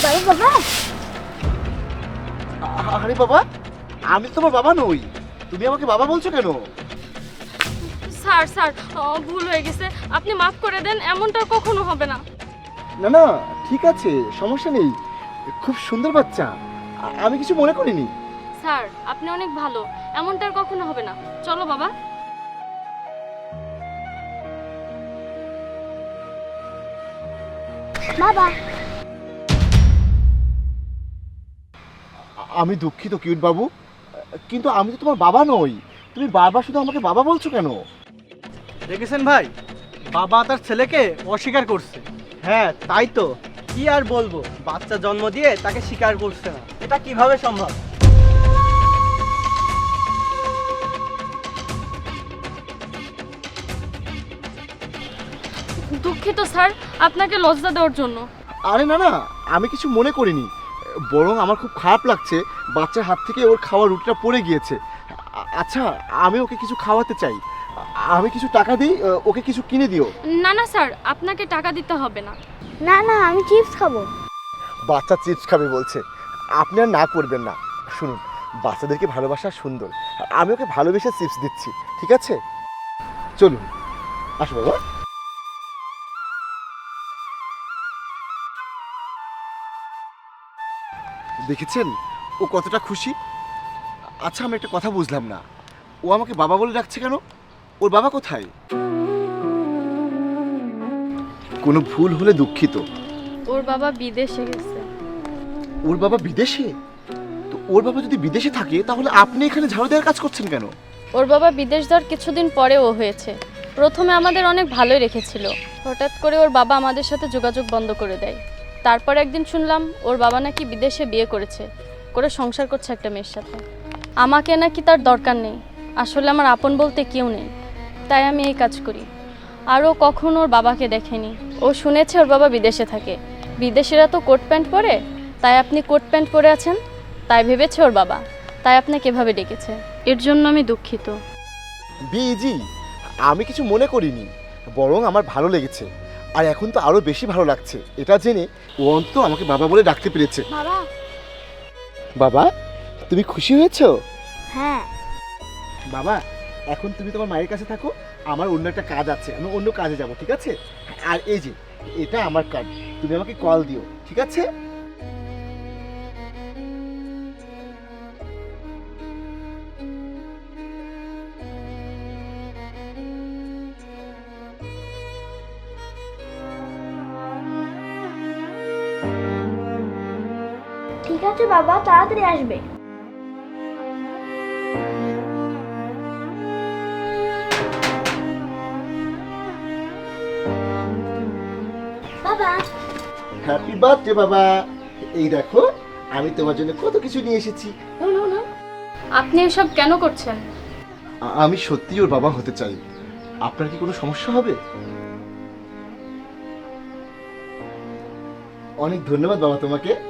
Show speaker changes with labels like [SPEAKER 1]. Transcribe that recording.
[SPEAKER 1] যাবো বাবা?
[SPEAKER 2] আরে বাবা, আমি তো তোমার বাবা নই, তুমি আমাকে বাবা বলছো কেন?
[SPEAKER 3] স্যার স্যার ভুল হয়ে গেছে, আপনি মাফ করে দেন, এমনটা কখনো হবে না।
[SPEAKER 2] না না, ঠিক আছে, সমস্যা নেই, খুব সুন্দর বাচ্চা, আমি কিছু মনে করিনি।
[SPEAKER 3] স্যার আপনি অনেক ভালো, এমনটা আর কখনো হবে না। চলো বাবা।
[SPEAKER 1] বাবা,
[SPEAKER 2] আমি দুঃখিত কিউট বাবু, কিন্তু আমি তো তোমার বাবা নই, তুমি বারবার শুধু আমাকে বাবা বলছো কেন?
[SPEAKER 4] দেখেছেন ভাই, বাবা তার ছেলেকে অস্বীকার করছে। হ্যাঁ তাই তো, কি আর বলবো, বাচ্চা জন্ম দিয়ে তাকে স্বীকার করছে না, এটা কিভাবে সম্ভব?
[SPEAKER 3] দুঃখিত স্যার, আপনাকে লজ্জা দেওয়ার জন্য।
[SPEAKER 2] আরে না না, আমি কিছু মনে করিনি, বরং আমার খুব খারাপ লাগছে, বাচ্চার হাত থেকে ওর খাওয়ার রুটিটা পড়ে গিয়েছে। আচ্ছা, আমি ওকে কিছু খাওয়াতে চাই, আমি কিছু টাকা দিই, ওকে কিছু কিনে দিও।
[SPEAKER 3] না না স্যার, আপনাকে টাকা দিতে হবে না।
[SPEAKER 1] না না, আমি চিপস খাবো।
[SPEAKER 2] বাচ্চা চিপস খাবে বলছে, আপনি আর না করবেন না। শুনুন, বাচ্চাদেরকে ভালোবাসা সুন্দর, আমি ওকে ভালোবেসে চিপস দিচ্ছি, ঠিক আছে? চলুন, আসো বাবা। দেখেছেন ও কতটা খুশি? আচ্ছা, আমি একটা কথা বুঝলাম না, ও আমাকে বাবা বলে ডাকছে কেন? ওর বাবা কোথায়? কোনো ভুল হলে দুঃখিত।
[SPEAKER 3] ওর বাবা বিদেশে গেছে।
[SPEAKER 2] ওর বাবা বিদেশে? তো ওর বাবা যদি বিদেশে থাকে, তাহলে আপনি এখানে ঝাড়ু দেওয়ার কাজ করছেন কেন?
[SPEAKER 3] ওর বাবা বিদেশ যাওয়ার কিছুদিন পরে ও হয়েছে। প্রথমে আমাদের অনেক ভালোই রেখেছিল, হঠাৎ করে ওর বাবা আমাদের সাথে যোগাযোগ বন্ধ করে দেয়। তারপর একদিন শুনলাম ওর বাবা নাকি বিদেশে বিয়ে করেছে, করে সংসার করছে একটা মেয়ের সাথে। আমাকে নাকি তার দরকার নেই, আসলে আমার আপন বলতে কেউ নেই, তাই আমি এই কাজ করি। আর ও কখনো ওর বাবাকে দেখেনি। ও শুনেছে ওর বাবা বিদেশে থাকে, বিদেশিরা তো কোট প্যান্ট পরে, তাই আপনি কোট প্যান্ট পরে আছেন, তাই ভেবেছে ওর বাবা, তাই আপনাকে এভাবে ডেকেছে। এর জন্য আমি দুঃখিত।
[SPEAKER 2] বিজি, আমি কিছু মনে করিনি, বরং আমার ভালো লেগেছে, আর এখন তো আরো বেশি ভালো লাগছে এটা জেনে ও অন্তত আমাকে বাবা বলে ডাকতে পেরেছে।
[SPEAKER 1] বাবা।
[SPEAKER 2] বাবা, তুমি খুশি হয়েছো?
[SPEAKER 1] হ্যাঁ।
[SPEAKER 2] বাবা, এখন তুমি তোমার মায়ের কাছে থাকো, আমার অন্য একটা কাজ আছে, আমি অন্য কাজে যাব, ঠিক আছে? আর এই যে, এটা আমার কার্ড, তুমি আমাকে কল দিও, ঠিক আছে?
[SPEAKER 1] ঠিক আছে বাবা, তাড়াতাড়ি আসবে। বাবা।
[SPEAKER 2] হ্যাপি বার্থডে বাবা, এই দেখো আমি তোমার জন্য কত কিছু নিয়ে এসেছি।
[SPEAKER 3] আপনি এসব কেন করছেন?
[SPEAKER 2] আমি সত্যি ওর বাবা হতে চাই, আপনার কি কোনো সমস্যা হবে? অনেক ধন্যবাদ বাবা তোমাকে।